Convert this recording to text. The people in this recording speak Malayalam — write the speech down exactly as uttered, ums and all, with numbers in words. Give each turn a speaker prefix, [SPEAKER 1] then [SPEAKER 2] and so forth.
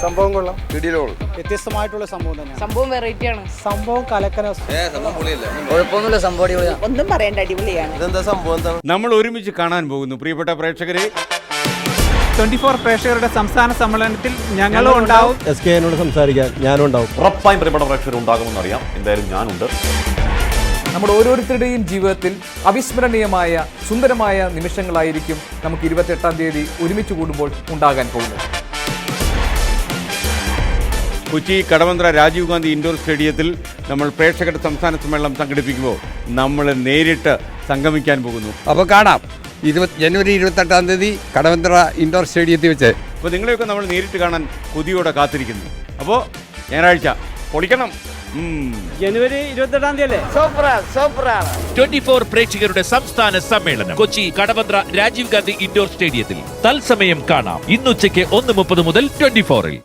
[SPEAKER 1] സംഭവം കൊള്ളാം,
[SPEAKER 2] വ്യത്യസ്തമായിട്ടുള്ള സംഭവം തന്നെയാണ്.
[SPEAKER 3] സംഭവം വെറൈറ്റി ആണ്.
[SPEAKER 2] സംഭവം കലക്കന.
[SPEAKER 4] കുഴപ്പമൊന്നുമില്ല, സംഭവം അടിപൊളിയാണ്.
[SPEAKER 3] ഒന്നും പറയണ്ട, അടിപൊളിയാണ്.
[SPEAKER 1] ഇതെന്താ സംഭവം?
[SPEAKER 5] നമ്മൾ ഒരുമിച്ച് കാണാൻ പോകുന്നു പ്രിയപ്പെട്ട പ്രേക്ഷകരെ.
[SPEAKER 2] ട്വന്റി ഫോർ പ്രേക്ഷകരുടെ സംസ്ഥാന സമ്മേളനത്തിൽ ഞങ്ങളും ഉണ്ടാവും.
[SPEAKER 1] എസ് കെ എന്നോട് സംസാരിക്കാൻ ഞാനും ഉണ്ടാവും.
[SPEAKER 6] ഉറപ്പായും പ്രിയപ്പെട്ട പ്രേക്ഷകർ ഉണ്ടാകുമെന്നറിയാം. എന്തായാലും ഞാനുണ്ട്.
[SPEAKER 7] നമ്മുടെ ഓരോരുത്തരുടെയും ജീവിതത്തിൽ അവിസ്മരണീയമായ സുന്ദരമായ നിമിഷങ്ങളായിരിക്കും നമുക്ക് ഇരുപത്തെട്ടാം തീയതി ഒരുമിച്ച് കൂടുമ്പോൾ ഉണ്ടാകാൻ പോകുന്നത്.
[SPEAKER 5] കൊച്ചി കടവന്ത്ര രാജീവ് ഗാന്ധി ഇൻഡോർ സ്റ്റേഡിയത്തിൽ നമ്മൾ പ്രേക്ഷകരുടെ സംസ്ഥാന സമ്മേളനം സംഘടിപ്പിക്കുമ്പോൾ നമ്മൾ നേരിട്ട് സംഗമിക്കാൻ പോകുന്നു.
[SPEAKER 8] അപ്പോൾ കാണാം ഇരുപത് ജനുവരി ഇരുപത്തെട്ടാം തീയതി കടവന്ത്ര ഇൻഡോർ സ്റ്റേഡിയത്തിൽ വെച്ച്.
[SPEAKER 5] അപ്പോൾ നിങ്ങളെയൊക്കെ നമ്മൾ നേരിട്ട് കാണാൻ കൊതിയോടെ കാത്തിരിക്കുന്നു. അപ്പോൾ ഞായറാഴ്ച പൊളിക്കണം.
[SPEAKER 2] ജനുവരി ഇരുപത്തെട്ടാം തീയതി അല്ലേ?
[SPEAKER 9] ട്വന്റി ഫോർ പ്രേക്ഷകരുടെ സംസ്ഥാന സമ്മേളനം കൊച്ചി കടവന്ത്ര രാജീവ് ഗാന്ധി ഇൻഡോർ സ്റ്റേഡിയത്തിൽ തത്സമയം കാണാം. ഇന്നുച്ചയ്ക്ക് ഒന്ന് മുപ്പത് മുതൽ ട്വന്റി ഫോറിൽ.